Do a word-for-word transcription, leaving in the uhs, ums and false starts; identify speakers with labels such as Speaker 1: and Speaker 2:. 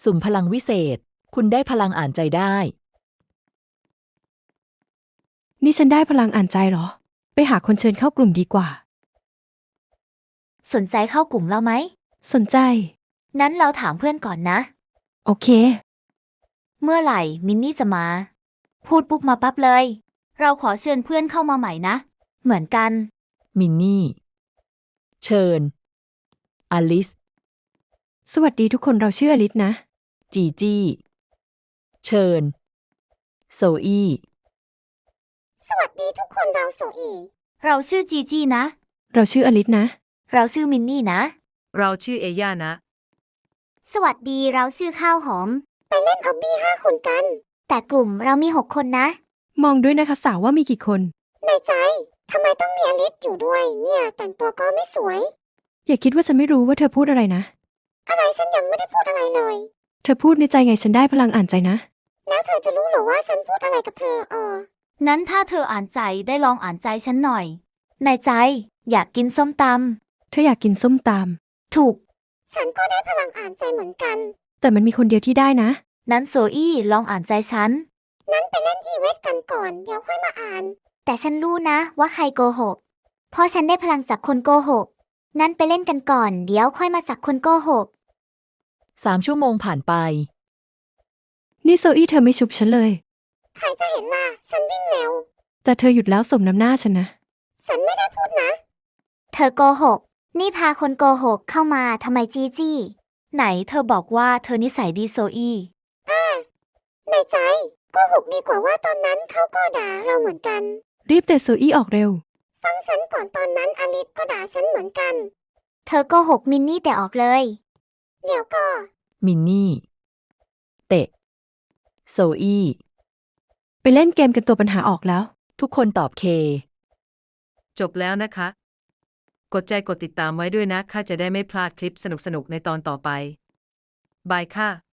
Speaker 1: สุ่มพลังวิเศษคุณได้พลังอ่านใจได้
Speaker 2: นี่ฉันได้พลังอ่านใจเหรอไปหาคนเชิญเข้ากลุ่มดีกว่า
Speaker 3: สนใจเข้ากลุ่มเราไหม
Speaker 2: สนใจ
Speaker 3: นั้นเราถามเพื่อนก่อนนะ
Speaker 2: โอเค
Speaker 3: เมื่อไหร่มินนี่จะมาพูดปุ๊บมาปั๊บเลยเราขอเชิญเพื่อนเข้ามาใหม่นะเหมือนกัน
Speaker 1: มินนี่เชิญอลิส
Speaker 2: สวัสดีทุกคนเราชื่ออลิสนะ
Speaker 1: จีจี้เชิญโซอี้
Speaker 4: สวัสดีทุกคนเราโซอี
Speaker 3: เราชื่อจีจี้นะ
Speaker 2: เราชื่ออลิสนะ
Speaker 3: เราชื่อมินนี่นะ
Speaker 5: เราชื่อเอย่านะ
Speaker 4: สวัสดีเราชื่อข้าวหอมไปเล่นออบบี้ห้าคนกันแต่กลุ่มเรามีหกคนนะ
Speaker 2: มองด้วยนะคะสาวว่ามีกี่คน
Speaker 4: ในใจทำไมต้องมีอลิสอยู่ด้วยเนี่ยแต่งตัวก็ไม่สวย
Speaker 2: อย่าคิดว่าฉันไม่รู้ว่าเธอพูดอะไรนะ
Speaker 4: อะไรฉันยังไม่ได้พูดอะไรเลย
Speaker 2: เธอพูดในใจไงฉันได้พลังอ่านใจนะ
Speaker 4: แล้วเธอจะรู้เหรอว่าฉันพูดอะไรกับเธออ๋อ
Speaker 3: นั้นถ้าเธออ่านใจได้ลองอ่านใจฉันหน่อยในใจอยากกินส้มต
Speaker 2: ำเธออยากกินส้มต
Speaker 3: ำถูก
Speaker 4: ฉันก็ได้พลังอ่านใจเหมือนกัน
Speaker 2: แต่มันมีคนเดียวที่ได้นะ
Speaker 3: นั้นโซอี้ลองอ่านใจฉัน
Speaker 4: นั้นไปเล่นอีเวทกันก่อนเดี๋ยวค่อยมาอ่าน
Speaker 3: แต่ฉันรู้นะว่าใครโกหกเพราะฉันได้พลังจากคนโกหกนั้นไปเล่นกันก่อนเดี๋ยวค่อยมาจากคนโกหก
Speaker 1: สามชั่วโมงผ่านไป
Speaker 2: นี่โซอี้เธอไม่ชุบฉันเลย
Speaker 4: ใครจะเห็นล่ะฉันวิ่งเร็ว
Speaker 2: แต่เธอหยุดแล้วสมน้ำหน้าฉันนะ
Speaker 4: ฉันไม่ได้พูดนะ
Speaker 3: เธอโกหกนี่พาคนโกหกเข้ามาทำไมจี้จี้ไหนเธอบอกว่าเธอนิสัยดีโซอี้
Speaker 4: อ่าในใจโกหกดีกว่าว่าตอนนั้นเขาก็ด่าเราเหมือนกัน
Speaker 2: รีบเตะโซอี้ออกเร็ว
Speaker 4: ฟังฉันก่อนตอนนั้นอลิสก็ด่าฉันเหมือนกัน
Speaker 3: เธอโกหกมินนี่แต่ออกเลย
Speaker 4: เดี๋ยวก็
Speaker 1: มินนี่เตะโซอี้
Speaker 2: ไปเล่นเกมกันตัวปัญหาออกแล้ว
Speaker 1: ทุกคนตอบเค
Speaker 5: จบแล้วนะคะกดใจกดติดตามไว้ด้วยนะข้าจะได้ไม่พลาดคลิปสนุกๆในตอนต่อไปบายค่ะ